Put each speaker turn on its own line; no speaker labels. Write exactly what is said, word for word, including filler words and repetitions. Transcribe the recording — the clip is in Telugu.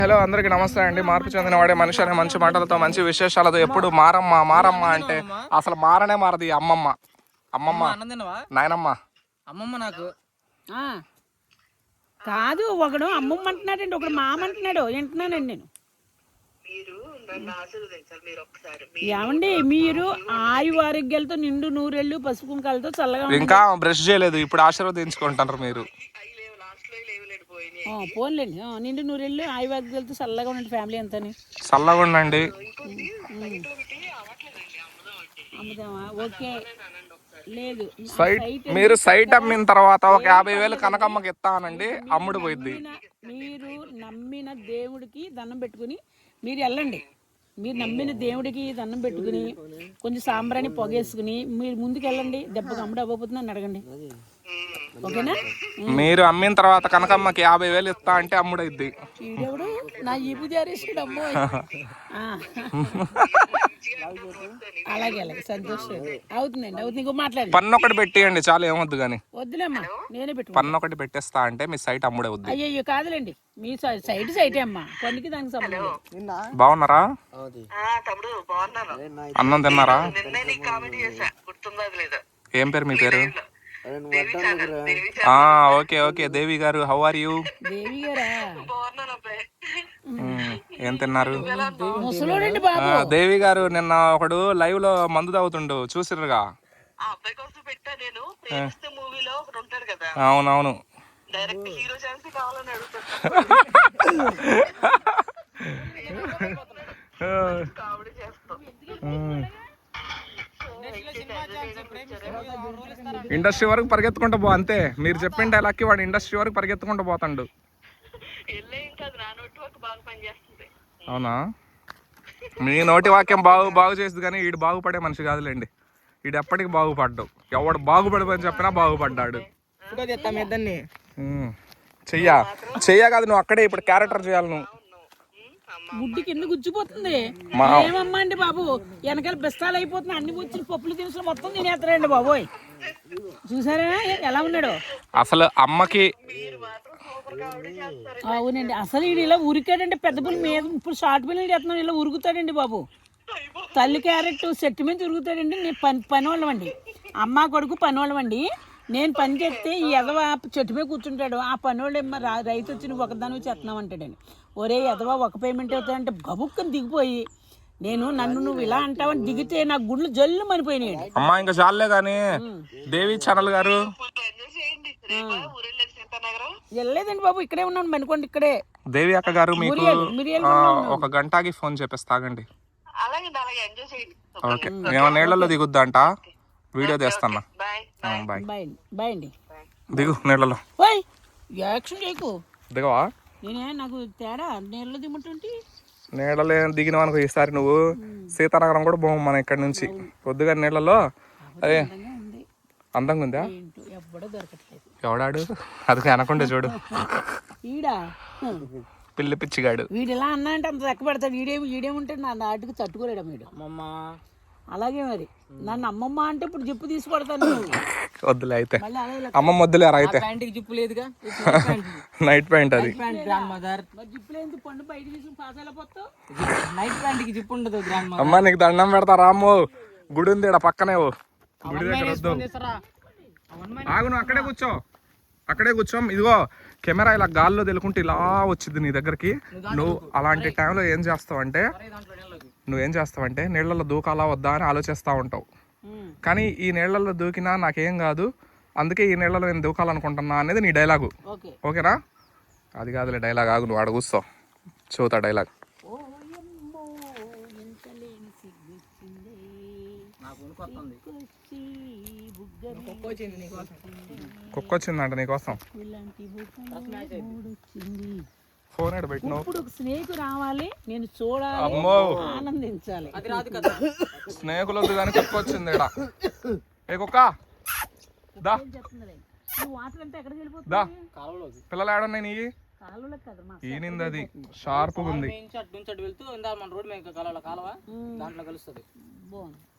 హలో అందరికి నమస్తే అండి. మార్పు చెందిన వాడే మనిషి అనే మంచి మాటలతో మంచి విశేషాలతో ఎప్పుడు మారమ్మ మారమ్మ అంటే అసలు మారనే మారది అమ్మమ్మ అమ్మమ్మ నాయనమ్మ
అమ్మమ్మ నాకు
కాదు. ఒకడు అమ్మమ్మ అంటున్నాడండి, ఒకడు మామ అంటున్నాడు. వింటున్నానండి నేను. ఏమండి మీరు ఆయు ఆరోగ్యాలతో నిండు నూరెళ్ళు పసుపు కుంకాలతో చల్లగా
ఇంకా బ్రష్ చేయలేదు, ఇప్పుడు ఆశీర్వదించుకుంటారు మీరు.
పోన్లేండి, నిండు నూరెళ్ళు ఆయు ఆరోగ్యాలతో చల్లగా ఉండండి ఫ్యామిలీ అంతా.
చల్లగా ఉండండి.
అమ్ముదామా? ఓకే. లేదు,
సైట్ మీరు సైట్ అమ్మిన తర్వాత ఒక యాభై వేలు కనకమ్మకి ఇస్తానండి, అమ్ముడు పోయింది.
మీరు నమ్మిన దేవుడికి దండం పెట్టుకుని మీరు వెళ్ళండి. మీరు నమ్మిన దేవుడికి దండం పెట్టుకుని కొంచెం సాంబ్రాన్ని పొగేసుకుని మీరు ముందుకు వెళ్ళండి. దెబ్బకి అమ్ముడు అవ్వబోతుందని అడగండి, ఓకేనా?
మీరు అమ్మిన తర్వాత కనకమ్మకి యాభై వేలు ఇస్తా అంటే అమ్ముడు అయింది.
ఈడెవడు నా ఈపు జారేసాడు అమ్మో. అలాగే అలాగే సంతోషం అవుతుందండి, అవుతుంది. ఇంకో మాట్లాడి
పన్ను ఒకటి పెట్టేయండి చాలు, ఏమొద్దు కానీ.
వద్దులేమ్మా, నేనే పెట్టు.
పన్ను ఒకటి పెట్టేస్తా అంటే మీ సైట్ అమ్ముడే వద్దు.
అయ్యో కాదులేండి, మీ సైట్ సైటే అమ్మా, పన్నుకి దానికి సంబంధం.
బాగున్నారా? అన్నం తిన్నారా? ఏం పేరు మీ పేరు? ఓకే ఓకే దేవి గారు, హౌ ఆర్ యూ?
దేవి గారా?
ఏం తిన్నారు?
దేవి
గారు నిన్న ఒకడు లైవ్ లో మందు తాగుతుండు, చూసిర్రుగా? అవునవును. ఇండస్ట్రీ వరకు పరిగెత్తుకుంటూ పో, అంతే. మీరు చెప్పిన డైలాగ్కి వాడు ఇండస్ట్రీ వరకు పరిగెత్తుకుంటూ పోతాడు. అవునా? మీ నోటి వాక్యం బాగు బాగు చేస్తుంది కానీ వీడు బాగుపడే మనిషి కాదులేండి. వీడు ఎప్పటికి బాగుపడ్డావు. ఎవడు బాగుపడమని చెప్పినా బాగుపడ్డాడు. చెయ్యా చెయ్యా కాదు, నువ్వు అక్కడే ఇప్పుడు క్యారెక్టర్ చేయాలి. నువ్వు
గుడ్డి కింద గుచ్చిపోతుంది. ఏమమ్మా అండి బాబు, వెనకాల బెస్తాలు అయిపోతుంది. అన్ని వచ్చిన పప్పులు దినుసులు మొత్తం తినేస్తారండి బాబోయ్. చూసారా ఎలా ఉన్నాడు
అసలు అమ్మకి?
అవునండి, అసలు వీడు ఇలా ఉరికాడంటే పెద్ద పిల్లల మీద. ఇప్పుడు షార్ట్ పిల్లలు చేస్తున్నాం, ఇలా ఉరుకుతాడండి బాబు. తల్లి క్యారెట్ చెట్టు మీద ఉరుకుతాడండి. నేను పని పని వాళ్ళమండి, అమ్మ కొడుకు పని వాళ్ళమండి. నేను పని చేస్తే ఈ ఎదవ చెట్టు మీద కూర్చుంటాడు. ఆ పని వాళ్ళు ఏమో రైతు వచ్చి నువ్వు ఒకదాని చేస్తున్నావు అంటాడండి. ఒరే ఎదవ ఒక పేమెంట్ అవుతాడంటే గబుక్కని దిగిపోయి, నేను నన్ను నువ్వు ఇలా అంటావని దిగితే నా గుండెలు జల్లు మనిపోయినాయి.
అమ్మా ఇంకా చాలే కానీ దేవి ఛానల్ గారు
వెళ్ళలేదండి బాబు, ఇక్కడే ఉన్నాను మనుకోండి. ఇక్కడే
దేవి అక్క గారు మీకు ఒక గంటకి ఫోన్ చేపిస్తాగండి. ఓకే, ఏమో నీళ్ళలో దిగుద్దా అంట, వీడియో తీస్తాను. బాయ్
బాయ్ అండి.
దిగు నీళ్ళలో.
యాక్షన్ చేయకు.
దిగవా?
నేనే నాకు తేడా నీళ్ళలో దిగుంటుంటే.
నీళ్ళలో దిగినావు అనుకో ఈసారి నువ్వు సీతానగరం కూడా పోము మనం ఇక్కడ నుంచి. కొద్దిగా నీళ్ళలో. అదే అందంగా ఉందా? ఎవడాడు? అది అనకుండా చూడు, పిల్లి పిచ్చిగాడు.
వీడు ఇలా అన్నా అంటే అంత లెక్క పెడతాడు. వీడేమి వీడేముంటాడు నా నాటికి తట్టుకోలేడు వీడు.
అమ్మమ్మ
అలాగే మరి నన్ను అమ్మమ్మ అంటే ఇప్పుడు జిప్పు తీసుకొడతాను.
వద్దులే అయితే, అమ్మమ్మ వద్దులేరా అయితే.
జిప్పు లేదుగా,
నైట్ ప్యాంట్ అది.
జిప్పు లేదు, పండు బయట తీసుకుని పాసాల పోతావు.
నైట్ ప్యాంట్ కి జిప్పు ఉండదు.
అమ్మ నీకు దండం పెడతా రాము, గుడి ఉంది ఇక్కడ పక్కనే. గుడి దగ్గర వద్దు, ఆగు, నువ్వు అక్కడే కూర్చో, అక్కడే కూర్చో. ఇదిగో కెమెరా ఇలా గాల్లో తెలుకుంటే ఇలా వచ్చింది నీ దగ్గరికి. నువ్వు అలాంటి టైంలో ఏం చేస్తావు అంటే, నువ్వేం చేస్తావంటే నీళ్ళల్లో దూకాలా వద్దా అని ఆలోచిస్తూ ఉంటావు. కానీ ఈ నీళ్ళల్లో దూకినా నాకేం కాదు, అందుకే ఈ నీళ్ళలో నేను దూకాలనుకుంటున్నా అనేది నీ డైలాగు. ఓకేనా? అది కాదులే డైలాగ్, ఆగు, నువ్వు ఆడ కూర్చో, చూతా డైలాగ్. కుక్క వచ్చిందంట నీకోసం. ఫోన్ ఎక్కడ పెట్టినావు?
ఇప్పుడు స్నేక్ రావాలి, నేను చూడాలి, ఆనందించాలి.
స్నేకులు వద్దు కానీ కుక్క వచ్చింది ఇక్కడ. ఏ కుక్క దా, పిల్లలు ఏడున్నాయి నీ? ఈనింది అది షార్ప్గా ఉంది.
వెళ్తూ మన రోడ్ మీద కాలువ దాంట్లో కలుస్తుంది.